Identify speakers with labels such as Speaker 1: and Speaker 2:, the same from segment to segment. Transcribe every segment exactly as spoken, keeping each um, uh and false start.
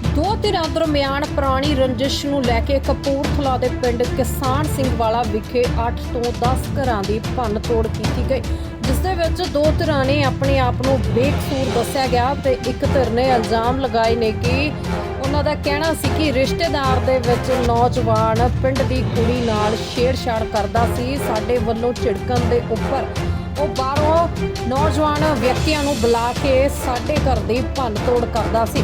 Speaker 1: ਦੋ ਧਿਰਾਂ ਦਰਮਿਆਨ ਪੁਰਾਣੀ ਰੰਜਿਸ਼ ਨੂੰ ਲੈ ਕੇ ਕਪੂਰਥਲਾ ਦੇ ਪਿੰਡ ਕਿਸਾਨ ਸਿੰਘ ਵਾਲਾ ਵਿਖੇ ਅੱਠ ਤੋਂ ਦਸ ਘਰਾਂ ਦੀ ਭੰਨ ਤੋੜ ਕੀਤੀ ਗਈ, ਜਿਸ ਦੇ ਵਿੱਚ ਦੋ ਧਿਰਾਂ ਨੇ ਆਪਣੇ ਆਪ ਨੂੰ ਬੇਕਸੂਰ ਦੱਸਿਆ ਗਿਆ ਤੇ ਇੱਕ ਧਿਰ ਨੇ ਇਲਜ਼ਾਮ ਲਗਾਏ ਨੇ ਕਿ ਉਹਨਾਂ ਦਾ ਕਹਿਣਾ ਸੀ ਕਿ ਰਿਸ਼ਤੇਦਾਰ ਦੇ ਵਿੱਚ ਨੌਜਵਾਨ ਪਿੰਡ ਦੀ ਕੁੜੀ ਨਾਲ ਛੇੜਛਾੜ ਕਰਦਾ ਸੀ। ਸਾਡੇ ਵੱਲੋਂ ਝਿੜਕਣ ਦੇ ਉੱਪਰ ਉਹ ਬਾਹਰੋਂ ਨੌਜਵਾਨ ਵਿਅਕਤੀਆਂ ਨੂੰ ਬੁਲਾ ਕੇ ਸਾਡੇ ਘਰ ਦੀ ਭੰਨ ਤੋੜ ਕਰਦਾ ਸੀ।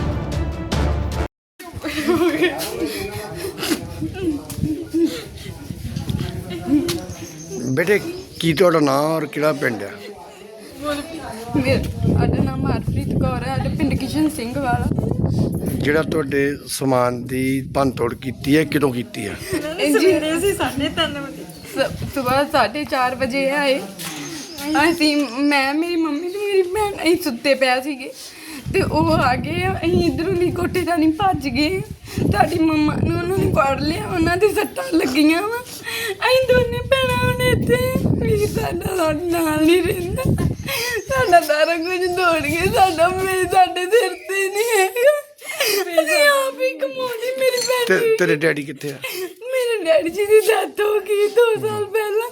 Speaker 2: बेटे की तुहाडा नाम और किहड़ा पिंड है?
Speaker 3: ਸਾਡਾ ਨਾਮ ਹਰਪ੍ਰੀਤ ਕੌਰ ਹੈ। ਸਾਡਾ ਪਿੰਡ ਕਿਸ਼ਨ ਸਿੰਘ ਵਾਲਾ।
Speaker 2: ਜਿਹੜਾ ਤੁਹਾਡੇ ਸਮਾਨ ਦੀ ਭੰਨ ਤੋੜ ਕੀਤੀ ਹੈ ਕਿਦੋਂ ਕੀਤੀ ਹੈ?
Speaker 3: ਸਵੇਰੇ ਅਸੀਂ ਸਾਢੇ ਤਿੰਨ ਵਜੇ ਸਵੇਰ ਸਾਢੇ ਚਾਰ ਵਜੇ ਆਏ। ਅਸੀਂ ਮੈਂ ਮੇਰੀ ਮੰਮੀ ਤੇ ਮੇਰੀ ਭੈਣ ਅਸੀਂ ਸੁੱਤੇ ਪਏ ਸੀਗੇ ਤੇ ਉਹ ਆ ਗਏ। ਅਸੀਂ ਇੱਧਰੋਂ ਦੀ ਕੋਠੇ ਦਾ ਨਹੀਂ ਭੱਜ ਗਏ। ਤੁਹਾਡੀ ਮੰਮਾ ਨੂੰ ਉਹਨਾਂ ਨੇ ਫੜ ਲਿਆ, ਉਹਨਾਂ ਦੇ ਸੱਟਾਂ ਲੱਗੀਆਂ ਵਾ। ਅਸੀਂ ਦੋਨੇ ਭੈਣਾਂ ਹੁਣ ਇੱਥੇ ਵੀ ਸਾਡਾ ਸਾਡੇ ਨਾਲ ਨਹੀਂ ਰਹਿੰਦਾ। ਸਾਡਾ ਸਾਰਾ ਕੁਝ ਦੌੜ ਗਿਆ। ਸਾਡਾ ਮੇਰੇ ਸਾਡੇ ਸਿਰ ਤੇ ਨਹੀਂ ਹੈਗਾ। ਅਸੀਂ ਆਪ ਹੀ ਕਮਾਉਂਦੇ। ਮੇਰੀ ਭੈਣ
Speaker 2: ਤੇ ਤੇਰੇ ਡੈਡੀ ਕਿੱਥੇ ਆ?
Speaker 3: ਮੇਰੇ ਡੈਡੀ ਜੀ ਦੀ ਡੈਥ ਹੋ ਗਈ ਦੋ ਸਾਲ ਪਹਿਲਾਂ।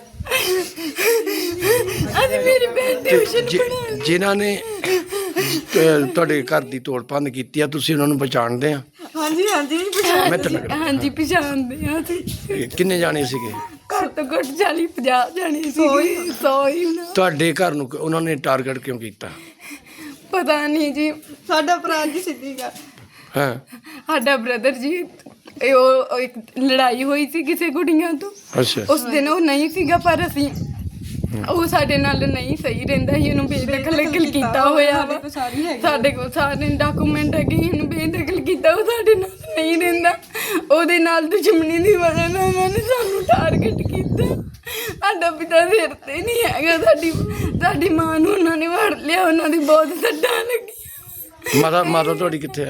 Speaker 3: ਅੱਜ ਮੇਰੀ ਭੈਣ ਟਿਊਸ਼ਨ
Speaker 2: ਜਿ-
Speaker 3: ਪੜ੍ਹਾਉਂਦੀ।
Speaker 2: ਜਿਨ੍ਹਾਂ ਨੇ ਅਹ, ਤੁਹਾਡੇ ਘਰ ਦੀ ਤੋੜ ਭੰਨ ਕੀਤੀ ਆ, ਤੁਸੀਂ ਉਹਨਾਂ ਨੂੰ ਪਛਾਣਦੇ ਆ?
Speaker 3: ਹਾਂਜੀ ਹਾਂਜੀ
Speaker 2: ਮੈਂ ਤਾਂ ਲੱਗ-
Speaker 3: ਹਾਂਜੀ ਪਛਾਣਦੇ ਹਾਂ ਅਸੀਂ।
Speaker 2: ਇਹ ਕਿੰਨੇ ਜਾਣੇ ਸੀਗੇ?
Speaker 3: ਘੱਟ ਤੋਂ ਘੱਟ ਚਾਲੀ ਪੰਜਾਹ ਜਾਣੇ ਸੀ। ਸੌ ਹੀ ਹੋਣਾ।
Speaker 2: ਤੁਹਾਡੇ ਘਰ ਨੂੰ ਉਹਨਾਂ ਨੇ ਟਾਰਗੇਟ ਕਿਉਂ ਕੀਤਾ?
Speaker 3: ਪਤਾ ਨਹੀਂ ਜੀ। ਸਾਡਾ ਭਰਾ ਜੀ ਸਿੱਧੀਗਾ।
Speaker 2: ਹਾਂ,
Speaker 3: ਸਾਡਾ ਬ੍ਰਦਰ ਜੀ ਇਹ ਉਹ ਉਹ ਇੱਕ ਲੜਾਈ ਹੋਈ ਸੀ ਕਿਸੇ ਕੁੜੀਆਂ ਤੋਂ।
Speaker 2: ਅੱਛਾ।
Speaker 3: ਉਸ ਦਿਨ ਉਹ ਨਹੀਂ ਸੀਗਾ, ਪਰ ਅਸੀਂ ਉਹ ਸਾਡੇ ਨਾਲ ਨਹੀਂ ਸਹੀ ਰਹਿੰਦਾ ਸੀ। ਇਹਨੂੰ ਬੇਦਖਲ ਕੀਤਾ ਹੋਇਆ ਵਾ। ਸਾਡੇ ਕੋਲ ਸਾਰੇ ਡਾਕੂਮੈਂਟ ਹੈਗੇ। ਇਹਨੂੰ ਬੇਦਖਲ ਕੀਤਾ, ਉਹ ਸਾਡੇ ਨਾਲ ਨਹੀਂ ਰਹਿੰਦਾ। ਉਹਦੇ ਨਾਲ ਦੁਸ਼ਮਣੀ ਦੀ ਵਜ੍ਹਾ ਨਾਲ ਉਹਨਾਂ ਨੇ ਸਾਨੂੰ ਟਾਰਗੇਟ ਕੀਤਾ। ਸਾਡਾ ਪਿਤਾ ਸਿਰ ਤੇ ਨਹੀਂ ਹੈਗਾ। ਸਾਡੀ ਸਾਡੀ ਮਾਂ ਨੂੰ ਉਹਨਾਂ ਨੇ ਵੜ ਲਿਆ। ਉਹਨਾਂ ਦੀ ਬਹੁਤ ਸੱਟਾਂ ਲੱਗੀਆਂ।
Speaker 2: ਮਾਤਾ ਮਾਤਾ ਤੁਹਾਡੀ ਕਿੱਥੇ ਆ?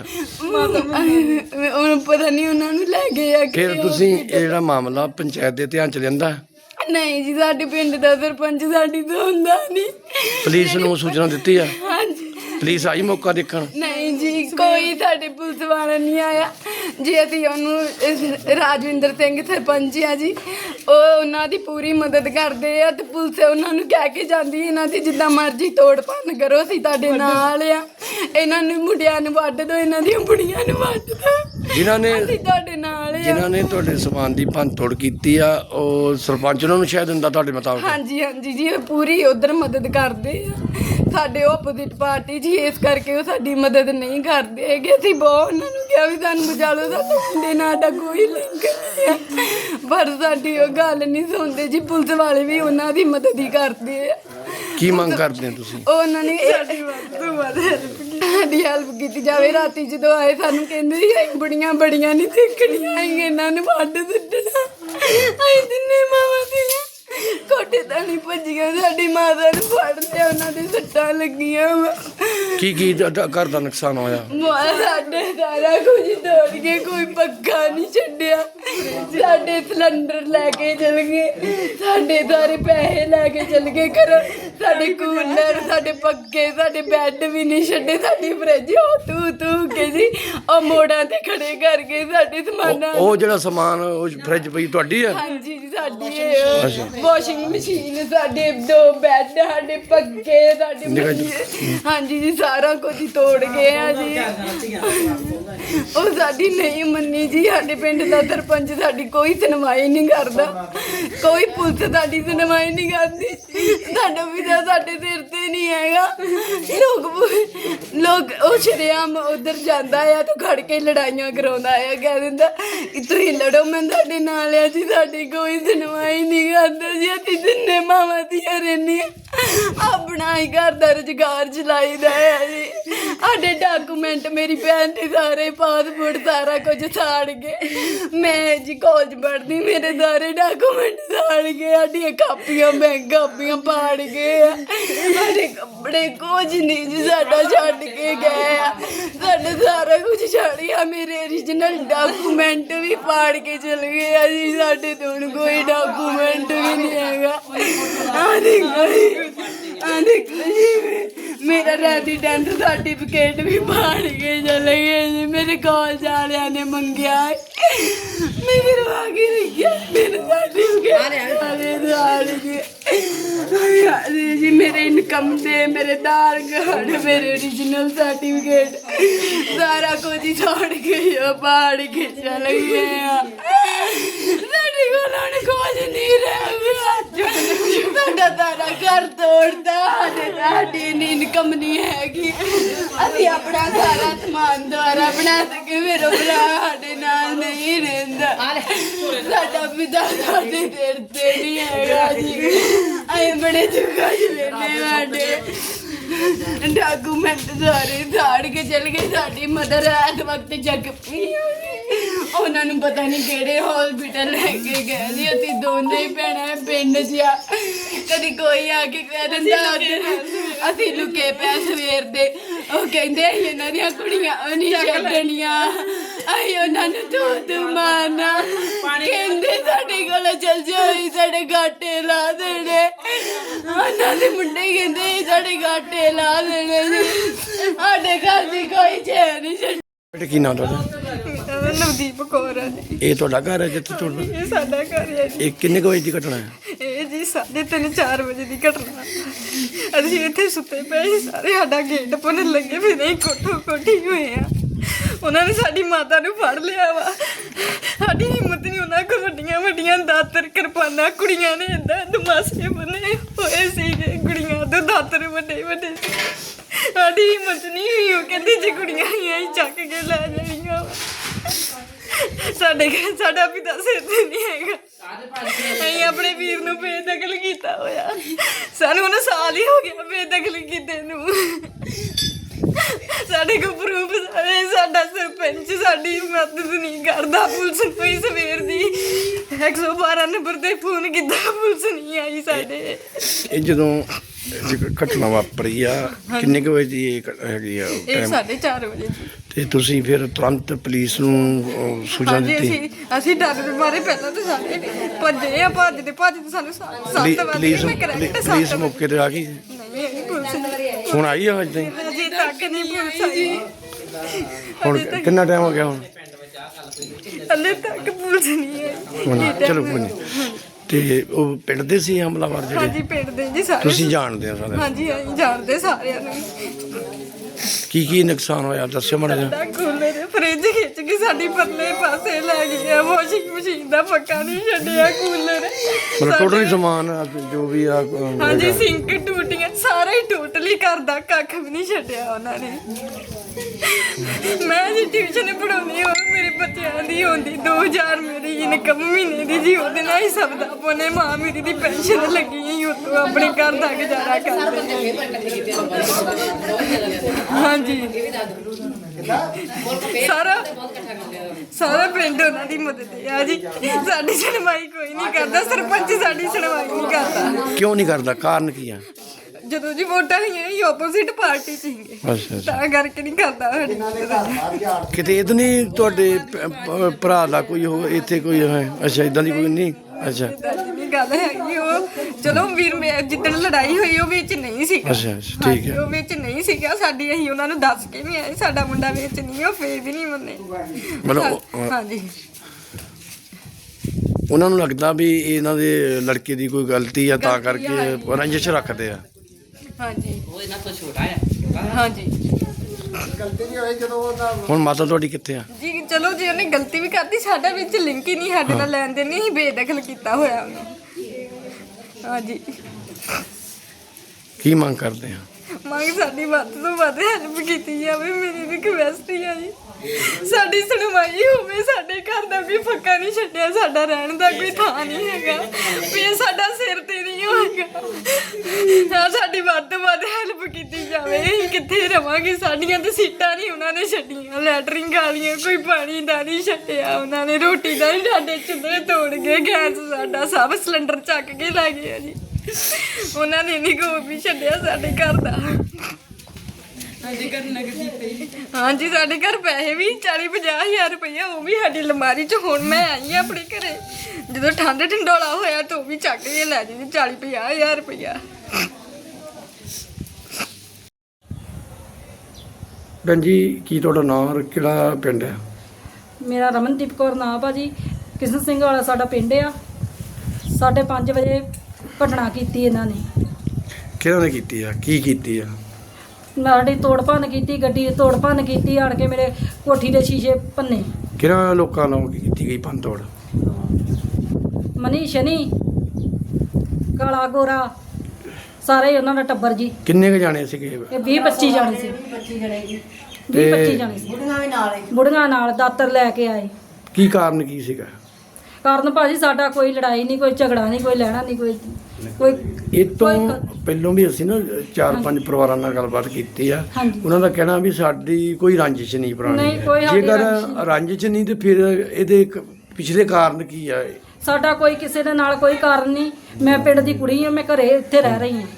Speaker 3: ਉਹਨੂੰ ਪਤਾ ਨਹੀਂ, ਉਹਨਾਂ ਨੂੰ ਲੈ ਗਏ ਆ।
Speaker 2: ਫਿਰ ਤੁਸੀਂ ਇਹ ਜਿਹੜਾ ਮਾਮਲਾ ਪੰਚਾਇਤ ਦੇ ਧਿਆਨ ਚ ਲਿਆਂਦਾ?
Speaker 3: ਨਹੀਂ ਜੀ, ਸਾਡੇ ਪਿੰਡ ਦਾ ਸਰਪੰਚ ਸਾਡੀ ਤੋਂ ਹੁੰਦਾ ਨਹੀਂ।
Speaker 2: ਪੁਲਿਸ ਨੂੰ ਸੂਚਨਾ ਦਿੱਤੀ ਆ?
Speaker 3: ਹਾਂਜੀ।
Speaker 2: ਪੁਲਿਸ ਆਈ ਮੌਕਾ ਦੇਖਣ?
Speaker 3: ਨਹੀਂ ਜੀ, ਕੋਈ ਸਾਡੇ ਪੁਲਿਸ ਵਾਲਾ ਨਹੀਂ ਆਇਆ ਜੀ। ਅਸੀਂ ਉਹਨੂੰ ਇਸ- ਰਾਜਵਿੰਦਰ ਸਿੰਘ ਸਰਪੰਚ ਆ ਜੀ, ਉਹ ਉਹਨਾਂ ਦੀ ਪੂਰੀ ਮਦਦ ਕਰਦੇ ਆ ਤੇ ਪੁਲਿਸ ਉਹਨਾਂ ਨੂੰ ਕਹਿ ਕੇ ਜਾਂਦੀ ਇਹਨਾਂ ਦੀ ਜਿੱਦਾਂ ਮਰਜ਼ੀ ਤੋੜ ਭੰਨ ਕਰੋ, ਅਸੀਂ ਤੁਹਾਡੇ ਨਾਲ ਆ। ਇਹਨਾਂ ਨੂੰ ਮੁੰਡਿਆਂ ਨੂੰ ਵੱਢ ਦਿਓ, ਇਹਨਾਂ ਦੀਆਂ ਬੁੜੀਆਂ ਨੂੰ ਵੱਢ ਦਿਓ,
Speaker 2: ਜਿਨ੍ਹਾਂ ਨੇ
Speaker 3: ਅਸੀਂ ਤੁਹਾਡੇ ਨਾਲ ਆ।
Speaker 2: ਜਿਨ੍ਹਾਂ ਨੇ ਤੁਹਾਡੇ ਸਮਾਨ ਦੀ ਭੰਨ ਤੋੜ ਕੀਤੀ ਆ, ਉਹ ਸਰਪੰਚ ਉਹਨਾਂ ਨੂੰ ਸ਼ਾਇਦ ਦਿੰਦਾ ਤੁਹਾਡੇ ਮੁਤਾਬਕ?
Speaker 3: ਹਾਂਜੀ ਹਾਂਜੀ ਜੀ, ਉਹ ਪੂਰੀ ਉਧਰ ਮਦਦ ਕਰਦੇ ਆ। ਸਾਡੇ ਆਪੋਜ਼ਿਟ ਪਾਰਟੀ ਜੀ, ਇਸ ਕਰਕੇ ਉਹ ਸਾਡੀ ਮਦਦ ਨਹੀਂ ਕਰਦੇ ਹੈਗੇ। ਅਸੀਂ ਬਹੁਤ ਉਹਨਾਂ ਨੂੰ ਕਿਹਾ ਵੀ ਸਾਨੂੰ ਬਚਾ ਲਓ, ਸਾਡੇ ਮੁੰਡੇ ਨਾਲ ਸਾਡਾ ਕੋਈ ਲਿੰਕ ਨਹੀਂ ਹੈ, ਪਰ ਸਾਡੀ ਉਹ ਗੱਲ ਨਹੀਂ ਸੁਣਦੇ ਜੀ। ਪੁਲਿਸ ਵਾਲੇ ਵੀ ਉਹਨਾਂ ਦੀ ਮਦਦ ਹੀ ਕਰਦੇ ਆ।
Speaker 2: ਕੀ ਮੰਗ ਕਰਦੇ ਹੋ ਤੁਸੀਂ?
Speaker 3: ਉਹ ਉਹਨਾਂ ਨੇ ਸਾਡੀ ਵੱਧ ਤੋਂ ਵੱਧ ਹੈਲਪ ਕੀਤੀ, ਸਾਡੀ ਹੈਲਪ ਕੀਤੀ ਜਾਵੇ। ਰਾਤੀ ਜਦੋਂ ਆਏ ਸਾਨੂੰ ਕਹਿੰਦੇ ਸੀ ਅਸੀਂ ਬੜੀਆਂ ਬੜੀਆਂ ਨਹੀਂ ਦੇਖਣੀਆਂ, ਅਸੀਂ ਇਹਨਾਂ ਨੂੰ ਵੱਢ ਦਿੱਤਣਾ। ਅਸੀਂ ਤਿੰਨੇ ਮਾਵਾਂ ਦੀਆਂ ਕੋਠੇ ਤਾਂ ਨਹੀਂ ਭੱਜੀਆਂ। ਸਾਡੀ ਮਾਤਾ ਨੂੰ ਫੜ ਲਿਆ, ਉਹਨਾਂ ਦੇ ਸੱਟਾਂ ਲੱਗੀਆਂ ਵਾ।
Speaker 2: ਕੀ ਕੀ ਤੁਹਾਡਾ ਘਰ ਦਾ ਨੁਕਸਾਨ ਹੋਇਆ?
Speaker 3: ਮਾਂ ਸਾਡੇ ਸਾਰਾ ਕੁਝ ਤੋੜ ਕੇ, ਕੋਈ ਪੱਕਾ ਨਹੀਂ ਛੱਡਿਆ। ਸਾਡੇ ਸਿਲੰਡਰ ਲੈ ਕੇ ਚਲ ਗਏ, ਸਾਡੇ ਸਾਰੇ ਪੈਸੇ ਲੈ ਕੇ ਚਲ ਗਏ ਘਰੋਂ। ਸਾਡੇ ਕੂਲਰ, ਸਾਡੇ ਪੱਕੇ, ਸਾਡੇ ਬੈੱਡ ਵੀ ਨਹੀਂ ਛੱਡੇ। ਸਾਡੀ ਫਰਿੱਜ ਉਹ ਤੂੰ ਤੂੰ ਕੇ ਜੀ ਉਹ ਮੋੜਾਂ ਤੇ ਖੜੇ ਕਰਕੇ ਸਾਡੇ ਸਮਾਨਾਂ।
Speaker 2: ਉਹ ਜਿਹੜਾ ਸਮਾਨ ਉਹ ਫਰਿੱਜ ਪਈ ਤੁਹਾਡੀ ਆ?
Speaker 3: ਹਾਂਜੀ ਜੀ, ਸਾਡੀ ਵਾਸ਼ਿੰਗ ਮਸ਼ੀਨ, ਸਾਡੇ ਦੋ ਬੈੱਡ, ਸਾਡੇ ਪੱਕੇ, ਸਾਡੇ ਮੰਜੇ। ਹਾਂਜੀ ਜੀ, ਸਾਰਾ ਕੁਝ ਹੀ ਤੋੜ ਗਏ ਆ ਜੀ। ਉਹ ਸਾਡੀ ਨਹੀਂ ਮੰਨੀ ਜੀ। ਸਾਡੇ ਪਿੰਡ ਦਾ ਸਰਪੰਚ ਸਾਡੀ ਕੋਈ ਸੁਣਵਾਈ ਨਹੀਂ ਕਰਦਾ, ਕੋਈ ਪੁਲਿਸ ਸਾਡੀ ਸੁਣਵਾਈ ਨਹੀਂ ਕਰਦੀ। ਸਾਡਾ ਪਿਤਾ ਸਾਡੇ ਸਿਰ ਤੇ ਨਹੀਂ ਹੈਗਾ। ਲੋਕ ਲੋਕ ਉਹ ਸ਼ਰੇਆਮ ਉਧਰ ਜਾਂਦਾ ਆ ਤੇ ਖੜ ਕੇ ਲੜਾਈਆਂ ਕਰਾਉਂਦਾ ਆ, ਕਹਿ ਦਿੰਦਾ ਤੁਸੀਂ ਲੜੋ, ਮੈਂ ਤੁਹਾਡੇ ਨਾਲ ਆ ਜੀ। ਸਾਡੀ ਕੋਈ ਸੁਣਵਾਈ ਨਹੀਂ ਕਰਦਾ ਜੀ। ਅਸੀਂ ਤਿੰਨੇ ਮਾਵਾਂ ਦੀਆਂ ਰਹਿੰਦੀਆਂ, ਆਪਣਾ ਹੀ ਘਰ ਦਾ ਰੁਜ਼ਗਾਰ ਚਲਾਈਦਾ ਹੈ ਜੀ। ਸਾਡੇ ਡਾਕੂਮੈਂਟ, ਮੇਰੀ ਭੈਣ ਦੇ ਸਾਰੇ ਪਾਸਪੋਰਟ, ਸਾਰਾ ਕੁਝ ਸਾੜ ਗਏ। ਮੈਂ ਜੀ ਕਾਲਜ ਪੜ੍ਹਦੀ, ਮੇਰੇ ਸਾਰੇ ਡਾਕੂਮੈਂਟ ਸਾੜ ਗਏ। ਸਾਡੀਆਂ ਕਾਪੀਆਂ, ਬੈਂਕ ਕਾਪੀਆਂ ਪਾੜ ਗਏ ਆ। ਸਾਡੇ ਕੱਪੜੇ ਕੁਝ ਨਹੀਂ ਜੀ ਸਾਡਾ ਛੱਡ ਕੇ ਗਏ ਆ। ਸਾਡਾ ਸਾਰਾ ਕੁਝ ਛੱਡ ਗਿਆ। ਮੇਰੇ ਓਰੀਜਨਲ ਡਾਕੂਮੈਂਟ ਵੀ ਪਾੜ ਕੇ ਚਲ ਗਏ ਆ ਜੀ। ਸਾਡੇ ਤੋਂ ਹੁਣ ਕੋਈ ਡਾਕੂਮੈਂਟ ਵੀ ਨਹੀਂ ਹੈਗਾ। ਆ ਦੇਖੋ ਜੀ, ਆ ਦੇਖੋ ਜੀ, ਮੇਰਾ ਰੈਜ਼ੀਡੈਂਟ ਸਰਟੀਫਿਕੇਟ ਵੀ ਪਾੜ ਕੇ ਚਲੇ ਗਏ ਜੀ। ਮੇਰੇ ਕਾਲਜ ਵਾਲਿਆਂ ਨੇ ਮੰਗਿਆ, ਮੈਂ ਕਰਵਾ ਕੇ ਰੱਖਿਆ ਮੇਰੇ ਸਰਟੀਫਿਕੇਟ ਵਾਲੇ ਨਾਲ ਜੀ। ਜੀ ਮੇਰੇ ਇਨਕਮ ਦੇ, ਮੇਰੇ ਆਧਾਰ ਕਾਰਡ, ਮੇਰੇ ਓਰੀਜਨਲ ਸਰਟੀਫਿਕੇਟ ਸਾਰਾ ਕੁਝ ਹੀ ਛੋੜ ਕੇ ਉਹ ਪਾੜ ਕੇ ਚਲੇ ਗਏ ਆ। ਸਾਡੇ ਕੋਲ ਹੁਣ ਕੁਝ ਨਹੀਂ ਰਹਿ ਗਿਆ। ਸਾਡਾ ਸਾਰਾ ਘਰ ਤੋੜਦਾ, ਸਾਡੇ ਸਾਡੀ ਇਨਕਮ ਨਹੀਂ ਹੈਗੀ। ਅਸੀਂ ਆਪਣਾ ਸਾਰਾ ਸਮਾਨ ਦੁਆਰਾ ਬਣਾ ਸਕੇ। ਮੇਰਾ ਭਰਾ ਸਾਡੇ ਨਾਲ ਨਹੀਂ ਰਹਿੰਦਾ। ਸਾਡਾ ਪਿਤਾ ਸਾਡੇ ਸਿਰ ਤੇ ਨਹੀਂ ਹੈਗਾ ਜੀ। ਅਸੀਂ ਬੜੇ ਦੁੱਖਾਂ 'ਚ ਵੇਲੇ ਸਾਡੇ ਡਾਕੂਮੈਂਟ ਸਾਰੇ ਸਾੜ ਕੇ ਚਲ ਗਏ। ਸਾਡੀ ਮਦਰ ਇਸ ਵਕਤ ਜ਼ਖਮੀ ਉਹਨਾਂ ਨੂੰ ਪਤਾ ਨਹੀਂ ਕਿਹੜੇ ਹਸਪੀਟਲ ਲੈ ਕੇ ਗਏ ਜੀ। ਅਸੀਂ ਦੋਨੇ ਭੈਣਾਂ ਪਿੰਡ 'ਚ ਆ, ਕਦੀ ਕੋਈ ਆ ਕੇ ਕਹਿ ਦਿੰਦਾ ਉੱਧਰ ਅਸੀਂ ਲੁਕੇ ਪਏ ਸਵੇਰ ਦੇ। ਉਹ ਕਹਿੰਦੇ ਅਸੀਂ ਇਹਨਾਂ ਦੀਆਂ ਕੁੜੀਆਂ ਉਹ ਨਹੀਂ ਛੱਡਣੀਆਂ, ਅਸੀਂ ਉਹਨਾਂ ਨੂੰ ਤੂੰ ਤੂੰ ਮਾਰਨਾ। ਕਹਿੰਦੇ ਸਾਡੇ ਕੋਲ ਚੱਲ ਜਾਓ, ਅਸੀਂ ਸਾਡੇ ਗਾਟੇ ਲਾ ਦੇਣੇ। ਉਹਨਾਂ ਦੇ ਮੁੰਡੇ ਕਹਿੰਦੇ ਅਸੀਂ ਸਾਡੇ ਗਾਟੇ ਲਾ ਦੇਣੇ ਜੀ। ਸਾਡੇ ਘਰ ਦੀ ਕੋਈ ਚੈਨ ਨਹੀਂ ਛੱਡ।
Speaker 2: ਬੇਟੇ ਕੀ ਨਾਮ ਤੁਹਾਡਾ?
Speaker 3: ਨਵਦੀਪ ਕੌਰ ਹੈ ਜੀ।
Speaker 2: ਇਹ ਤੁਹਾਡਾ ਘਰ ਹੈ ਜਿੱਥੇ ਤੁਹਾਡਾ?
Speaker 3: ਇਹ ਸਾਡਾ ਘਰ ਹੈ ਜੀ।
Speaker 2: ਇਹ ਕਿੰਨੇ ਕੁ ਵਜੇ ਦੀ ਘਟਨਾ ਹੈ?
Speaker 3: ਇਹ ਜੀ ਸਾਢੇ ਤਿੰਨ ਚਾਰ ਵਜੇ ਦੀ ਘਟਨਾ। ਅਸੀਂ ਇੱਥੇ ਸੁੱਤੇ ਪਏ ਸੀ, ਸਾਰੇ ਸਾਡਾ ਗੇਟ ਪੁੰਨ ਲੱਗੇ ਫਿਰ ਅਸੀਂ ਕੋਠੋ ਕੋਠੀ ਹੋਏ ਆ। ਉਹਨਾਂ ਨੇ ਸਾਡੀ ਮਾਤਾ ਨੂੰ ਫੜ ਲਿਆ ਵਾ। ਸਾਡੀ ਹਿੰਮਤ ਨਹੀਂ, ਉਹਨਾਂ ਕੋਲ ਵੱਡੀਆਂ ਵੱਡੀਆਂ ਦਾਤਰ ਕਿਰਪਾਨਾਂ, ਕੁੜੀਆਂ ਨੇ ਏਦਾਂ ਦਮਾਸੇ ਬਣੇ ਹੋਏ ਸੀਗੇ। ਕੁੜੀਆਂ ਤੋਂ ਦਾਤਰ ਵੱਡੇ ਵੱਡੇ। ਸਾਡੀ ਹਿੰਮਤ ਨਹੀਂ ਹੋਈ। ਉਹ ਕਹਿੰਦੀ ਜੇ ਕੁੜੀਆਂ ਹੀ ਅਸੀਂ ਚੱਕ ਕੇ ਲੈ ਜਾਣੀਆਂ ਵਾ। ਸਾਡੇ ਘਰ ਸਾਡਾ ਪਿਤਾ ਸਿਰ ਤੇ ਨਹੀਂ ਹੈਗਾ। ਅਸੀਂ ਆਪਣੇ ਵੀਰ ਨੂੰ ਬੇਦਖਲ ਕੀਤਾ ਹੋਇਆ। ਸਾਨੂੰ ਉਹਨੂੰ ਸਾਲ ਹੀ ਹੋ ਗਿਆ ਬੇਦਖਲ ਕੀਤੇ ਨੂੰ। ਸਾਡੇ ਕੋਲ ਪ੍ਰੂਫ ਸਾਰੇ। ਸਾਡਾ ਸਰਪੰਚ ਸਾਡੀ ਮਦਦ ਨਹੀਂ ਕਰਦਾ। ਪੁਲਿਸ ਕੋਈ ਸਵੇਰ ਦੀ ਇੱਕ ਸੌ ਬਾਰਾਂ ਨੰਬਰ ਤੇ ਫੋਨ ਕੀਤਾ, ਪੁਲਿਸ ਨਹੀਂ ਆਈ ਸਾਡੇ।
Speaker 2: ਇਹ ਜਦੋਂ ਇਹ ਘਟਨਾ ਵਾਪਰੀ ਆ ਕਿੰਨੇ ਕੁ ਵਜੇ ਦੀ ਇਹ ਘ- ਹੈਗੀ ਆ
Speaker 3: ਇਹ
Speaker 2: ਟਾਈਮ?
Speaker 3: ਸਾਢੇ ਚਾਰ ਵਜੇ ਜੀ।
Speaker 2: ਤੇ ਤੁਸੀਂ ਫਿਰ ਤੁਰੰਤ ਪੁਲਿਸ ਨੂੰ ਅਹ, ਸੂਚਨਾ
Speaker 3: ਹਾਂਜੀ
Speaker 2: ਦਿੱਤੀ?
Speaker 3: ਅਸੀਂ ਅਸੀਂ ਡਰ ਦੇ ਮਾਰੇ ਪਹਿਲਾਂ ਤਾਂ ਸਾਰੇ ਭੱਜੇ ਆ। ਭੱਜਦੇ ਭੱਜਦੇ ਸਾਨੂੰ ਸੱਤ
Speaker 2: ਪੁਲਿ-
Speaker 3: ਵਜੇ
Speaker 2: ਪੁਲਿਸ
Speaker 3: ਮੈਂ ਕਰੈਕਟ
Speaker 2: ਪੁਲਿਸ
Speaker 3: ਸੱਤ
Speaker 2: ਮੌਕੇ ਤੇ ਆ ਗਈ?
Speaker 3: ਨਹੀਂ ਆਈ ਪੁਲਿਸ ਨਹੀਂ।
Speaker 2: ਹੁਣ ਆਈ ਆ ਅਜੇ?
Speaker 3: ਅਜੇ ਤੱਕ ਨਹੀਂ ਪੁਲਿਸ ਆਈ।
Speaker 2: ਹੁਣ ਕਿੰਨਾ ਟਾਈਮ ਹੋ ਗਿਆ ਹੁਣ?
Speaker 3: ਹਲੇ ਤੱਕ ਪੁਲਿਸ ਨਹੀਂ ਆਈ।
Speaker 2: ਹੁਣ ਚਲੋ ਕੋਈ ਨਹੀਂ। ਤੇ ਉਹ ਪਿੰਡ ਦੇ ਸੀ ਹਮਲਾਵਰ ਜਿਹੜੇ?
Speaker 3: ਹਾਂਜੀ ਪਿੰਡ ਦੇ ਜੀ ਸਾਰੇ।
Speaker 2: ਤੁਸੀਂ ਜਾਣਦੇ ਆ ਸਾਰੇ?
Speaker 3: ਹਾਂਜੀ ਅਸੀਂ ਜਾਣਦੇ ਸਾਰਿਆਂ ਨੂੰ।
Speaker 2: ਕੀ ਕੀ ਨੁਕਸਾਨ ਹੋਇਆ ਦੱਸਿਓ ਮਾੜਾ ਜਿਹਾ।
Speaker 3: ਸਾਡਾ ਕੂਲਰ ਫਰਿੱਜ ਖਿੱਚ ਕੇ ਸਾਡੀ ਪਰਲੇ ਪਾਸੇ ਲੈ ਗਿਆ। ਵਾਸ਼ਿੰਗ ਮਸ਼ੀਨ ਦਾ ਪੱਕਾ ਨਹੀਂ ਛੱਡਿਆ ਕੂਲਰ।
Speaker 2: ਮਤਲਬ ਟੋਟਲੀ ਸਮਾਨ ਆ, ਜੋ ਵੀ ਆ ਅਹ,
Speaker 3: ਹਾਂਜੀ ਸਿੰਕ ਟੂਟੀਆਂ ਸਾਰਾ ਹੀ ਟੋਟਲੀ ਕਰਦਾ, ਕੱਖ ਵੀ ਨਹੀਂ ਛੱਡਿਆ ਉਹਨਾਂ ਨੇ। ਮੈਂ ਜੀ ਟਿਊਸ਼ਨ ਪੜਾਉਂਦੀ ਹਾਂ, ਮੇਰੇ ਬੱਚਿਆਂ ਦੀ ਹੁੰਦੀ ਦੋ ਹਜ਼ਾਰ ਮੇਰੀ ਇਨਕਮ ਮਹੀਨੇ ਦੀ ਜੀ। ਉਹਦੇ ਨਾਲ ਹੀ ਸਭ ਦਾ ਪੋਨੇ। ਮਾਂ ਮੇਰੀ ਦੀ ਪੈਨਸ਼ਨ ਲੱਗੀ ਹੋਈ, ਉਤੋਂ ਆਪਣੇ ਘਰ ਦਾ ਗੁਜ਼ਾਰਾ ਕਰਦੇ। ਹਾਂਜੀ ਸਾਰਾ ਸਾਰਾ ਪਿੰਡ ਉਹਨਾਂ ਦੀ ਮਦਦ ਆ ਜੀ। ਸਾਡੀ ਸੁਣਵਾਈ ਕੋਈ ਨਹੀਂ ਕਰਦਾ। ਸਰਪੰਚ ਸਾਡੀ ਸੁਣਵਾਈ ਨਹੀਂ ਕਰਦਾ।
Speaker 2: ਕਿਉਂ ਨਹੀਂ ਕਰਦਾ? ਕਾਰਨ ਕੀ ਆ?
Speaker 3: ਜਦੋਂ ਜੀ ਵੋਟਾਂ ਹੋਈਆਂ ਇਹ ਆਪੋਜ਼ਿਟ ਪਾਰਟੀ ਸੀਗੇ,
Speaker 2: ਅੱਛਾ ਅੱਛਾ।
Speaker 3: ਤਾਂ ਕਰਕੇ ਨਹੀਂ ਕਰਦਾ ਸਾਡੀ ਮਦਦ।
Speaker 2: ਕਿਤੇ ਇਹ ਤਾਂ ਨਹੀਂ ਤੁਹਾਡੇ ਭ- ਭ- ਭਰਾ ਦਾ ਕੋਈ ਹੋ ਇੱਥੇ ਕੋਈ ਹੈ? ਅੱਛਾ ਇਦਾਂ ਦੀ ਕੋਈ ਨਹੀਂ? ਅੱਛਾ
Speaker 3: ਨਹੀਂ ਗੱਲ ਹੈਗੀ। ਉਹ ਚਲੋ ਵੀਰ ਮੈਂ ਜਿੱਦਣ ਲੜਾਈ ਹੋਈ ਉਹ ਵਿੱਚ ਨਹੀਂ ਸੀਗਾ।
Speaker 2: ਅੱਛਾ ਅੱਛਾ ਠੀਕ
Speaker 3: ਹਾਂਜੀ,
Speaker 2: ਹੈ।
Speaker 3: ਉਹ ਵਿੱਚ ਨਹੀਂ ਸੀਗਾ। ਸਾਡੀ ਅਸੀਂ ਉਹਨਾਂ ਨੂੰ ਦੱਸ ਕੇ ਨਹੀਂ ਆਏ ਸਾਡਾ ਮੁੰਡਾ ਵਿੱਚ ਨਹੀਂ। ਉਹ ਫੇਰ ਵੀ ਨਹੀਂ ਮੰਨੇ।
Speaker 2: ਮਤਲਬ ਉਹ-
Speaker 3: ਹਾਂਜੀ
Speaker 2: ਉਹਨਾਂ ਨੂੰ ਲੱਗਦਾ ਵੀ ਇਹਨਾਂ ਦੇ ਲੜਕੇ ਦੀ ਕੋਈ ਗਲਤੀ ਆ ਤਾਂ ਕਰਕੇ ਰੰਜਿਸ਼ ਰੱਖਦੇ ਆ।
Speaker 3: ਹਾਂਜੀ ਉਹ ਇਹਨਾਂ ਤੋਂ ਛੋਟਾ ਹੈ। ਹਾਂਜੀ
Speaker 2: ਹੁਣ ਮਾਤਾ ਤੁਹਾਡੀ ਕਿੱਥੇ ਆ?
Speaker 3: ਜੀ ਚਲੋ ਜੇ ਉਹਨੇ ਗਲਤੀ ਵੀ ਕਰਤੀ, ਸਾਡਾ ਵਿੱਚ ਲਿੰਕ ਹੀ ਨਹੀਂ, ਸਾਡੇ ਨਾਲ ਲੈਣ ਦੇਣ ਨਹੀਂ। ਅਸੀਂ ਬੇਦਖਲ ਕੀਤਾ ਹੋਇਆ ਉਹਨੂੰ। ਹਾਂਜੀ
Speaker 2: ਕੀ ਮੰਗ ਕਰਦੇ ਆ?
Speaker 3: ਮੰਗ ਸਾਡੀ ਵੱਧ ਤੋਂ ਵੱਧ ਹੈਲਪ ਕੀਤੀ ਜਾਵੇ। ਮੇਰੀ ਰਿਕਵੈਸਟ ਹੀ ਆ ਜੀ ਸਾਡੀ ਸੁਣਵਾਈ ਹੋਵੇ। ਸਾਡੇ ਘਰ ਦਾ ਕੋਈ ਫੱਕਾ ਨਹੀਂ ਛੱਡਿਆ। ਸਾਡਾ ਰਹਿਣ ਦਾ ਕੋਈ ਥਾਂ ਨਹੀਂ ਹੈਗਾ। ਵੀ ਸਾਡਾ ਸਿਰ ਤੇ ਨਹੀਂ ਹੋਏਗਾ। ਹਾਂ ਸਾਡੀ ਵੱਧ ਤੋਂ ਵੱਧ ਹੈਲਪ ਕੀਤੀ ਜਾਵੇ। ਅਸੀਂ ਕਿੱਥੇ ਰਵਾਂਗੇ? ਸਾਡੀਆਂ ਤਾਂ ਸੀਟਾਂ ਨਹੀਂ ਉਹਨਾਂ ਨੇ ਛੱਡੀਆਂ, ਲੈਟਰਿੰਗ ਵਾਲੀਆਂ, ਕੋਈ ਪਾਣੀ ਦਾ ਨਹੀਂ ਛੱਡਿਆ ਉਹਨਾਂ ਨੇ, ਰੋਟੀ ਦਾ ਨਹੀਂ। ਸਾਡੇ ਚੁੱਲ੍ਹੇ ਤੋੜ ਗਏ, ਗੈਸ ਸਾਡਾ ਸਭ ਸਿਲੰਡਰ ਚੱਕ ਕੇ ਲੈ ਗਏ ਆ ਜੀ। ਉਹਨਾਂ ਨੇ ਨਹੀਂ ਕੋਈ ਵੀ ਛੱਡਿਆ ਸਾਡੇ ਘਰ ਦਾ। ਹਾਂਜੀ ਘਰ ਨਗਦੀ ਪਈ। ਹਾਂਜੀ ਸਾਡੇ ਘਰ ਪੈਸੇ ਵੀ ਚਾਲੀ ਪੰਜਾਹ ਹਜ਼ਾਰ ਰੁਪਈਆ ਉਹ ਵੀ ਸਾਡੀ ਅਲਮਾਰੀ 'ਚ। ਹੁਣ ਮੈਂ ਆਈ ਹਾਂ ਆਪਣੇ ਘਰੇ, ਜਦੋਂ ਠੰਡ ਢੰਡੋਲਾ ਹੋਇਆ ਤਾਂ ਉਹ ਵੀ ਚੱਕ ਕੇ ਲੈ ਜੀ ਚਾਲੀ ਪੰਜਾਹ ਹਜ਼ਾਰ ਰੁਪਈਆ।
Speaker 2: ਭੈਣ ਜੀ ਕੀ ਤੁਹਾਡਾ ਨਾਮ ਔਰ ਕਿਹੜਾ ਪਿੰਡ ਹੈ?
Speaker 4: ਮੇਰਾ ਰਮਨਦੀਪ ਕੌਰ ਨਾਂ ਭਾਜੀ। ਕਿਸ਼ਨ ਸਿੰਘ ਵਾਲਾ ਸਾਡਾ ਪਿੰਡ ਆ। ਸਾਢੇ ਪੰਜ ਵਜੇ ਘਟਨਾ ਕੀਤੀ ਇਹਨਾਂ ਨੇ।
Speaker 2: ਕਿਹਨਾਂ ਨੇ ਕੀਤੀ ਆ? ਕੀ ਕੀਤੀ ਆ?
Speaker 4: ਸਾਡੀ ਤੋੜ ਭੰਨ ਕੀਤੀ, ਗੱਡੀ ਦੀ ਤੋੜ ਭੰਨ ਕੀਤੀ, ਆਣ ਕੇ ਮੇਰੇ ਕੋਠੀ ਦੇ ਸ਼ੀਸ਼ੇ ਭੰਨੇ।
Speaker 2: ਕਿਹਨਾਂ ਲੋਕਾਂ ਨਾਲ ਕੀਤੀ ਗਈ ਭੰਨ ਤੋੜ?
Speaker 4: ਮਨੀ ਸ਼ਨੀ ਕਾਲਾ ਗੋਰਾ ਸਾਰੇ ਉਹਨਾਂ ਦਾ ਟੱਬਰ ਜੀ।
Speaker 2: ਕਿੰਨੇ ਕੁ ਜਾਣੇ ਸੀਗੇ?
Speaker 4: ਇਹ ਵੀਹ ਪੱਚੀ ਜਾਣੇ ਸੀ। ਵੀਹ ਪੱਚੀ ਜਾਣੇ ਸੀ। ਬੁੜੀਆਂ ਵੀ ਨਾਲ ਬੁੜੀਆਂ ਨਾਲ ਦਾਤਰ ਲੈ ਕੇ ਆਏ।
Speaker 2: ਕੀ ਕਾਰਨ ਕੀ ਸੀਗਾ?
Speaker 4: ਕਾਰਨ ਭਾਜੀ ਸਾਡਾ ਕੋਈ ਲੜਾਈ ਨਹੀਂ, ਕੋਈ ਝਗੜਾ ਨਹੀਂ, ਕੋਈ ਲੈਣਾ ਨਹੀਂ, ਕੋਈ ਕੋਈ
Speaker 2: ਇਹ ਤੋਂ
Speaker 4: ਕੋਈ ਕ-
Speaker 2: ਪਹਿਲਾਂ ਵੀ ਅਸੀਂ ਨਾ ਚਾਰ ਪੰਜ ਪਰਿਵਾਰਾਂ ਨਾਲ ਗੱਲਬਾਤ ਕੀਤੀ ਆ।
Speaker 4: ਹਾਂਜੀ।
Speaker 2: ਉਹਨਾਂ ਦਾ ਕਹਿਣਾ ਵੀ ਸਾਡੀ ਕੋਈ ਰੰਜਿਸ਼ ਨਹੀਂ ਪੁਰਾਣੀ।
Speaker 4: ਨਹੀਂ, ਕੋਈ ਸਾਡੀ
Speaker 2: ਜੇਕਰ
Speaker 4: ਰੰਜਿਸ਼ ਨਹੀਂ।
Speaker 2: ਰੰਜਿਸ਼ ਨਹੀਂ ਤੇ ਫਿਰ ਇਹਦੇ ਇੱਕ ਪਿਛਲੇ ਕਾਰਨ ਕੀ ਆ?
Speaker 4: ਸਾਡਾ ਕੋਈ ਕਿਸੇ ਦੇ ਨਾਲ ਕੋਈ ਕਾਰਨ ਨਹੀਂ। ਮੈਂ ਪਿੰਡ ਦੀ ਕੁੜੀ ਹਾਂ, ਮੈਂ ਘਰੇ ਇੱਥੇ ਰਹਿ ਰਹੀ ਹਾਂ।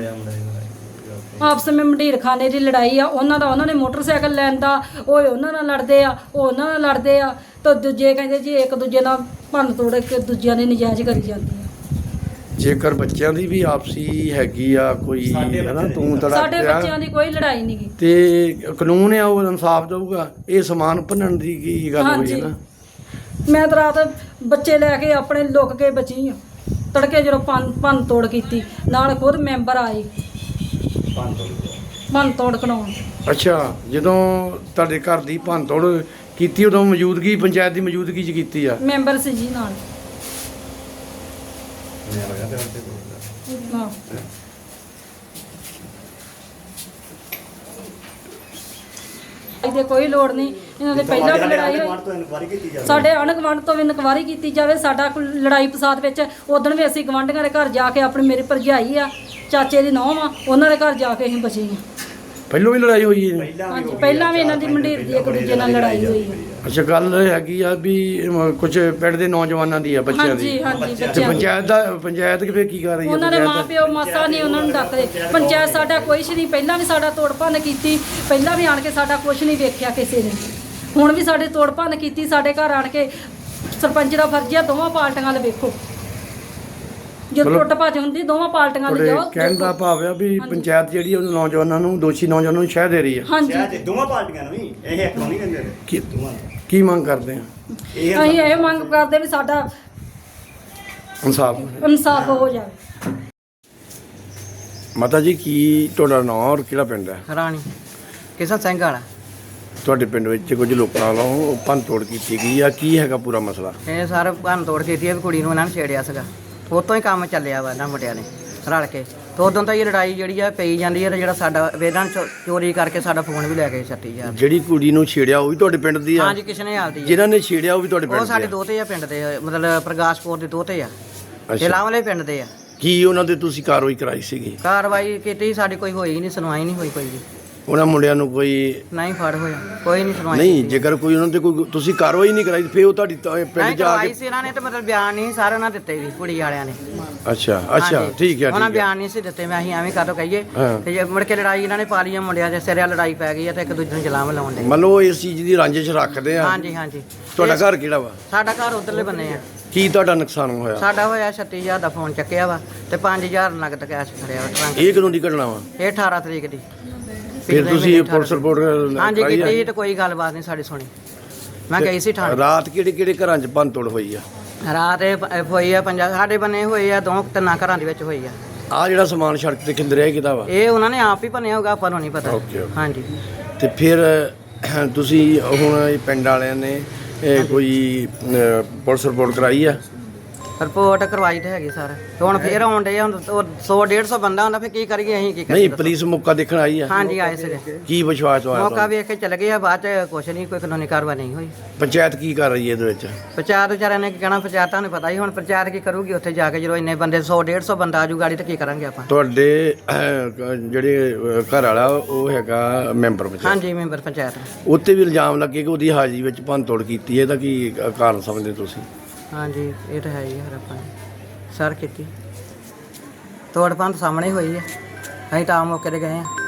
Speaker 4: ਆਪਸ ਵਿੱਚ ਮੰਡੀਰ ਖਾਨੇ ਦੀ ਲੜਾਈ ਆ। ਉਹਨਾਂ ਦਾ ਉਹਨਾਂ ਨੇ ਮੋਟਰਸਾਈਕਲ ਲੈਣ ਦਾ, ਉਹ ਉਹਨਾਂ ਨਾਲ ਲੜਦੇ ਆ, ਉਹ ਉਹਨਾਂ ਨਾਲ ਲੜਦੇ ਆ, ਤਾਂ ਦੂਜੇ ਕਹਿੰਦੇ ਜੀ ਇੱਕ ਦੂਜੇ ਨਾਲ ਭੰਨ ਤੋੜ ਕੇ ਦੂਜਿਆਂ ਨੇ ਨਜਾਇਜ਼ ਕਰੀ ਜਾਂਦੇ ਆ।
Speaker 2: ਜੇਕਰ ਬੱਚਿਆਂ ਦੀ ਵੀ ਆਪਸੀ ਹੈਗੀ ਆ ਕੋਈ ਹਨਾ ਤੂੰ ਤੜਾ
Speaker 4: ਸਾਡੇ ਬੱਚਿਆਂ ਦੀ ਕੋਈ ਲੜਾਈ ਨਹੀਂ ਗੀ।
Speaker 2: ਤੇ ਕਾਨੂੰਨ ਆ ਉਹ ਇਨਸਾਫ ਦਊਗਾ। ਇਹ ਸਮਾਨ ਭੰਨਣ ਦੀ ਕੀ ਗੱਲ ਹੋਈ
Speaker 4: ਹਾਂਜੀ।
Speaker 2: ਹੈ ਨਾ?
Speaker 4: ਮੈਂ ਤਾਂ ਰਾਤ ਬੱਚੇ ਲੈ ਕੇ ਆਪਣੇ ਲੁੱਕ ਕੇ ਬਚੀ ਆ। ਤੜਕੇ ਜਦੋਂ ਭੰਨ ਭੰਨ ਤੋੜ ਕੀਤੀ, ਨਾਲ ਖੁਦ ਮੈਂਬਰ ਆਏ ਭੰਨ ਤੋੜ ਕਰਾਉਣ।
Speaker 2: ਅੱਛਾ, ਜਦੋਂ ਤੁਹਾਡੇ ਘਰ ਦੀ ਭੰਨ ਤੋੜ ਕੀਤੀ ਉਦੋਂ ਮੌਜੂਦਗੀ ਪੰਚਾਇਤ ਦੀ ਮੌਜੂਦਗੀ 'ਚ ਕੀਤੀ ਆ?
Speaker 4: ਮੈਂਬਰ ਸੀ ਜੀ ਨਾਲ। ਹਾਂ। ਇਹਦੇ ਕੋਈ ਲੋੜ ਨਹੀਂ। ਇਹਨਾਂ ਦੇ ਪਹਿਲਾਂ ਵੀ ਲੜਾਈ ਹੋਈ। ਸਾਡੇ ਆਂਢ ਗੁਆਂਢ ਤੋਂ ਵੀ ਇਨਕੁਆਇਰੀ ਕੀਤੀ ਜਾਵੇ। ਸਾਡਾ ਕੋਈ ਲੜਾਈ ਫਸਾਦ ਵਿੱਚ ਉਦੋਂ ਵੀ ਅਸੀਂ ਗਵਾਂਢੀਆਂ ਦੇ ਘਰ ਜਾ ਕੇ ਆਪਣੀ ਮੇਰੀ ਭਰਜਾਈ ਆ, ਚਾਚੇ ਦੀ ਨੂੰਹ ਆ, ਉਹਨਾਂ ਦੇ ਘਰ ਜਾ ਕੇ ਅਸੀਂ ਬਚੇ ਹਾਂ।
Speaker 2: ਪਹਿਲੋਂ ਵੀ ਲੜਾਈ ਹੋਈ ਹੈ?
Speaker 4: ਹਾਂਜੀ, ਪਹਿਲਾਂ ਵੀ ਇਹਨਾਂ ਦੀ ਮੰਡੀਰ ਦੀ ਇੱਕ ਦੂਜੇ ਨਾਲ ਲੜਾਈ ਹੋਈ ਹੈ।
Speaker 2: ਅੱਛਾ, ਗੱਲ ਹੈਗੀ ਆ ਵੀ ਕੁਝ ਪਿੰਡ ਦੇ ਨੌਜਵਾਨਾਂ ਦੀ ਆ, ਬੱਚਿਆਂ
Speaker 4: ਹਾਂਜੀ
Speaker 2: ਦੀ।
Speaker 4: ਹਾਂਜੀ
Speaker 2: ਤੇ
Speaker 4: ਬੱਚਿਆਂ ਦੀ।
Speaker 2: ਪੰਚਾਇਤ ਦਾ ਪੰਚਾਇਤ ਕਿਵੇਂ ਕੀ ਕਰ ਰਹੀ ਹੈ?
Speaker 4: ਉਹਨਾਂ ਦੇ
Speaker 2: ਪੰਚਾਇਤ
Speaker 4: ਮਾਂ ਪਿਓ ਮਾਸਾ ਨਹੀਂ ਉਹਨਾਂ ਨੂੰ ਡੱਕਦੇ। ਪੰਚਾਇਤ ਸਾਡਾ ਕੋਈ ਨਹੀਂ। ਪਹਿਲਾਂ ਵੀ ਸਾਡਾ ਤੋੜ ਭੰਨ ਕੀਤੀ, ਪਹਿਲਾਂ ਵੀ ਆਣ ਕੇ ਸਾਡਾ ਕੁਝ ਨਹੀਂ ਵੇਖਿਆ ਕਿਸੇ ਨੇ। ਹੁਣ ਵੀ ਸਾਡੇ ਤੋੜ ਭੰਨ ਕੀਤੀ। ਸਾਡੇ ਘਰ ਆਣ ਕੇ ਸਰਪੰਚ ਦਾ ਫਰਜ਼ ਆ ਦੋਵਾਂ ਪਾਰਟੀਆਂ ਨਾਲ ਵੇਖੋ। ਜਦੋਂ
Speaker 2: ਮਤਲਬ
Speaker 4: ਟੁੱਟ ਭੱਜ ਹੁੰਦੀ ਦੋਵਾਂ ਪਾਰਟੀਆਂ ਨਾਲ
Speaker 2: ਤੁਹਾਡੇ
Speaker 4: ਜਾਓ।
Speaker 2: ਕਹਿਣ ਦਾ ਭਾਵ ਆ ਵੀ ਪੰਚਾਇਤ ਜਿਹੜੀ ਉਹ ਨੌਜਵਾਨਾਂ ਨੂੰ, ਦੋਸ਼ੀ ਨੌਜਵਾਨਾਂ ਨੂੰ ਸ਼ਹਿ ਦੇ ਰਹੀ ਆ।
Speaker 4: ਹਾਂਜੀ,
Speaker 5: ਦੋਵਾਂ ਪਾਰਟੀਆਂ ਨੂੰ ਵੀ ਇਹ ਇੱਕ ਨੂੰ ਨਹੀਂ ਕਹਿੰਦੇ।
Speaker 2: ਕੀ ਕੀ ਮੰਗ ਕਰਦੇ ਆ?
Speaker 5: ਇਹ
Speaker 4: ਅਸੀਂ ਇਹ ਮੰਗ ਕਰਦੇ ਵੀ ਸਾਡਾ
Speaker 2: ਇਨਸਾਫ।
Speaker 4: ਇਨਸਾਫ ਹੋ ਜਾਵੇ।
Speaker 2: ਮਾਤਾ ਜੀ ਕੀ ਤੁਹਾਡਾ ਨਾਮ ਔਰ ਕਿਹੜਾ ਪਿੰਡ ਹੈ?
Speaker 6: ਰਾਣੀ ਕਿਸ਼ਨ ਸਿੰਘ ਵਾਲਾ।
Speaker 2: ਤੁਹਾਡੇ ਪਿੰਡ ਵਿੱਚ ਕੁਝ ਲੋਕਾਂ ਵੱਲੋਂ ਭੰਨ ਤੋੜ ਕੀਤੀ ਗਈ ਆ, ਕੀ ਹੈਗਾ ਪੂਰਾ ਮਸਲਾ?
Speaker 6: ਇਹ ਸਾਰੇ ਭੰਨ ਤੋੜ ਕੀਤੀ ਹੈ ਵੀ ਕੁੜੀ ਨੂੰ ਇਹਨਾਂ ਨੇ ਛੇੜਿਆ ਸੀਗਾ। ਉਤੋਂ ਹੀ ਕੰਮ ਚੱਲਿਆ ਵਾ ਇਹਨਾਂ ਮੁੰਡਿਆਂ ਨੇ ਰਲ ਕੇ। ਤੇ ਉਦੋਂ ਤਾਂ ਇਹ ਲੜਾਈ ਜਿਹੜੀ ਆ ਪਈ ਜਾਂਦੀ ਹੈ। ਤੇ ਜਿਹੜਾ ਸਾਡਾ ਵੇਦਾਂ ਚੋਰੀ ਕਰਕੇ ਸਾਡਾ ਫੋਨ ਵੀ ਲੈ ਗਏ ਛੱਤੀ ਹਜ਼ਾਰ।
Speaker 2: ਜਿਹੜੀ ਕੁੜੀ ਨੂੰ ਛੇੜਿਆ ਉਹ ਵੀ ਤੁਹਾਡੇ ਪਿੰਡ ਦੀ ਆ?
Speaker 6: ਹਾਂਜੀ, ਕਿਸ਼ਨੇ ਹਾਲ ਦੀ ਆ।
Speaker 2: ਜਿਨ੍ਹਾਂ ਨੇ ਛੇੜਿਆ ਉਹ ਵੀ ਤੁਹਾਡੇ ਪਿੰਡ
Speaker 6: ਉਹ ਸਾਡੇ
Speaker 2: ਦੇ ਆ?
Speaker 6: ਦੋਤੇ ਆ ਪਿੰਡ ਦੇ, ਮਤਲਬ ਪ੍ਰਗਾਸ਼ਪੁਰ ਦੇ ਦੋਤੇ ਆ।
Speaker 2: ਅੱਛਾ,
Speaker 6: ਇਹ ਲਾਵਲੇ ਪਿੰਡ ਦੇ ਆ।
Speaker 2: ਕੀ ਉਹਨਾਂ ਦੇ ਤੁਸੀਂ ਕਾਰਵਾਈ ਕਰਾਈ ਸੀਗੀ?
Speaker 6: ਕਾਰਵਾਈ ਕੀਤੀ ਸਾਡੀ ਕੋਈ ਹੋਈ ਨਹੀਂ, ਸੁਣਵਾਈ ਨਹੀਂ ਹੋਈ ਕੋਈ ਵੀ।
Speaker 2: ਉਹਨਾਂ ਮੁੰਡਿਆਂ ਨੂੰ ਕੋਈ
Speaker 6: ਨਹੀਂ ਫੜ ਹੋਇਆ, ਕੋਈ ਨਹੀਂ ਸੁਣਵਾਈ
Speaker 2: ਨਹੀਂ?
Speaker 6: ਕੀਤੀ।
Speaker 2: ਜੇਕਰ ਕੋਈ ਉਹਨਾਂ ਤੇ ਕੋਈ ਤੁਸੀਂ ਕਾਰਵਾਈ ਨਹੀਂ ਕਰਾਈ ਫਿਰ ਉਹ ਤੁਹਾਡੀ ਤਾਂ
Speaker 6: ਨਹੀਂ
Speaker 2: ਪਿੰਡ ਜਾ
Speaker 6: ਕਰਵਾਈ
Speaker 2: ਕੇ?
Speaker 6: ਸੀ ਇਹਨਾਂ ਨੇ, ਤੇ ਮਤਲਬ ਬਿਆਨ ਨਹੀਂ ਸਾਰੇ ਉਹਨਾਂ ਦਿੱਤੇ ਵੀ ਕੁੜੀ ਵਾਲਿਆਂ ਨੇ।
Speaker 2: ਅੱਛਾ ਅੱਛਾ,
Speaker 6: ਹਾਂਜੀ।
Speaker 2: ਠੀਕ ਹੈ
Speaker 6: ਉਹਨਾਂ
Speaker 2: ਠੀਕ ਹੈ।
Speaker 6: ਬਿਆਨ ਨਹੀਂ ਸੀ ਦਿੱਤੇ। ਮੈਂ ਅਸੀਂ ਐਵੇਂ ਕਾਹਤੋਂ ਕਹੀਏ।
Speaker 2: ਹਾਂ।
Speaker 6: ਤੇ ਜੇ ਮੁੜ ਕੇ ਲੜਾਈ ਇਹਨਾਂ ਨੇ ਪਾ ਲਈ ਆ, ਮੁੰਡਿਆਂ ਦੇ ਸਿਰਿਆ ਲੜਾਈ ਪੈ ਗਈ ਆ ਤੇ ਇੱਕ ਦੂਜੇ ਨੂੰ ਜਲਾਮ ਲਾਉਣ ਦੇ।
Speaker 2: ਮੰਨ ਲਓ ਇਸ ਚੀਜ਼ ਦੀ ਰੰਜਿਸ਼ ਰੱਖਦੇ ਆ?
Speaker 6: ਹਾਂਜੀ ਹਾਂਜੀ।
Speaker 2: ਤੁਹਾਡਾ
Speaker 6: ਇਹ-
Speaker 2: ਘਰ ਕਿਹੜਾ ਵਾ?
Speaker 6: ਸਾਡਾ ਘਰ ਉਧਰਲੇ ਬੰਨੇ ਆ।
Speaker 2: ਕੀ ਤੁਹਾਡਾ ਨੁਕਸਾਨ ਹੋਇਆ?
Speaker 6: ਸਾਡਾ ਹੋਇਆ ਛੱਤੀ ਹਜ਼ਾਰ ਦਾ ਫੋਨ ਚੱਕਿਆ ਵਾ ਤੇ ਪੰਜ ਹਜ਼ਾਰ ਨਗਦ ਕੈਸ਼ ਫੜਿਆ ਵਾ ਟਰੰਕ।
Speaker 2: ਇਹ ਕਦੋਂ ਦੀ ਘਟਨਾ ਵਾ?
Speaker 6: ਇਹ ਅਠਾਰਾਂ ਤਰੀਕ ਦੀ।
Speaker 2: ਫਿਰ
Speaker 6: ਪਿਛਲੇ
Speaker 2: ਤੁਸੀਂ
Speaker 6: ਮਹੀਨੇ
Speaker 2: ਪੁਲਿਸ ਰਿਪੋਰਟ
Speaker 6: ਹਾਂਜੀ
Speaker 2: ਕਰਾਈ ਆ?
Speaker 6: ਕੀਤੀ ਤੇ ਕੋਈ ਗੱਲਬਾਤ ਨਹੀਂ ਸਾਡੀ ਸੁਣੀ। ਮੈਂ ਗਈ ਸੀ ਥਾਣੇ।
Speaker 2: ਰਾਤ ਕਿਹੜੇ ਕਿਹੜੇ ਘਰਾਂ 'ਚ ਭੰਨ ਤੋੜ ਹੋਈ ਆ?
Speaker 6: ਰਾਤ ਇਹ ਪ- ਹੋਈ ਆ ਪੰਜਾਹ ਸਾਡੇ ਬੰਨੇ ਹੋਏ ਆ, ਦੋ ਤਿੰਨਾਂ ਘਰਾਂ ਦੇ ਵਿੱਚ ਹੋਈ ਆ।
Speaker 2: ਆ ਜਿਹੜਾ ਸਮਾਨ ਸੜਕ ਤੇ ਖਿੰਦਰਿਆ ਕਿਹਦਾ ਵਾ?
Speaker 6: ਇਹ ਉਹਨਾਂ ਨੇ ਆਪ ਹੀ ਭੰਨਿਆ ਹੋਊਗਾ, ਆਪਾਂ ਨੂੰ ਨਹੀਂ ਪਤਾ।
Speaker 2: Okay, okay.
Speaker 6: ਹਾਂਜੀ।
Speaker 2: ਤੇ ਫਿਰ ਤੁਸੀਂ ਹੁਣ ਇਹ ਪਿੰਡ ਵਾਲਿਆਂ ਨੇ ਇਹ ਕੋਈ ਅਹ, ਪੁਲਿਸ ਰਿਪੋਰਟ ਕਰਾਈ ਆ?
Speaker 6: ਰਿਪੋਰਟ ਕਰਵਾਈ ਤੇ ਹੈਗੀ ਸਰ। ਤੇ ਹੁਣ ਫੇਰ ਆਉਣ ਡੇ ਹੁਣ ਸੌ ਡੇਢ ਸੌ ਬੰਦਾ ਹੁੰਦਾ, ਫਿਰ ਕੀ ਕਰੀਏ ਅਸੀਂ ਕੀ ਕਰੀਏ
Speaker 2: ਨਹੀਂ,
Speaker 6: ਦੱਸੋ?
Speaker 2: ਪੁਲਿਸ ਮੌਕਾ ਦੇਖਣ ਆਈ ਆ?
Speaker 6: ਹਾਂਜੀ ਆਏ ਸੀਗੇ।
Speaker 2: ਕੀ ਵਿਸ਼ਵਾਸ ਹੋਇਆ
Speaker 6: ਮੌਕਾ
Speaker 2: ਤੁਹਾਨੂੰ?
Speaker 6: ਵੇਖ ਕੇ ਚਲੇ ਗਏ ਆ, ਬਾਅਦ ਚ ਕੁਛ ਨਹੀਂ, ਕੋਈ ਕਾਨੂੰਨੀ ਕਾਰਵਾਈ ਨਹੀਂ ਹੋਈ।
Speaker 2: ਪੰਚਾਇਤ ਕੀ ਕਰ ਰਹੀ ਹੈ ਇਹਦੇ ਵਿੱਚ?
Speaker 6: ਪੰਚਾਇਤ ਵਿਚਾਰਿਆਂ ਨੇ ਕੀ ਕਹਿਣਾ, ਪੰਚਾਇਤ ਤੁਹਾਨੂੰ ਪਤਾ ਹੀ। ਹੁਣ ਪੰਚਾਇਤ ਕੀ ਕਰੂਗੀ ਉੱਥੇ ਜਾ ਕੇ ਜਦੋਂ ਇੰਨੇ ਬੰਦੇ ਸੌ ਡੇਢ ਸੌ ਬੰਦਾ ਆਜੂ ਗਾੜੀ ਤੇ ਕੀ ਕਰਾਂਗੇ ਆਪਾਂ?
Speaker 2: ਤੁਹਾਡੇ ਅਹ, ਜਿਹੜੇ ਅਹ, ਘਰ ਵਾਲਾ ਉਹ ਹੈਗਾ ਮੈਂਬਰ ਪੰਚਾਇਤ?
Speaker 6: ਹਾਂਜੀ, ਮੈਂਬਰ ਪੰਚਾਇਤ।
Speaker 2: ਉੱਤੇ ਵੀ ਇਲਜ਼ਾਮ ਲੱਗੇ ਕਿ ਉਹਦੀ ਹਾਜ਼ਰੀ ਵਿੱਚ ਭੰਨ ਤੋੜ ਕੀਤੀ ਹੈ। ਇਹਦਾ ਕੀ ਕਾਰਨ ਸਮਝਦੇ ਤੁਸੀਂ?
Speaker 6: ਹਾਂਜੀ, ਇਹ ਤਾਂ ਹੈ ਹੀ ਹੈ। ਆਪਾਂ ਨੇ ਸਰ ਕੀਤੀ ਤੋੜ ਭੰਨ ਸਾਹਮਣੇ ਹੋਈ ਹੈ। ਅਸੀਂ ਤਾਂ ਆਮ ਮੌਕੇ ਤੇ ਗਏ ਹਾਂ।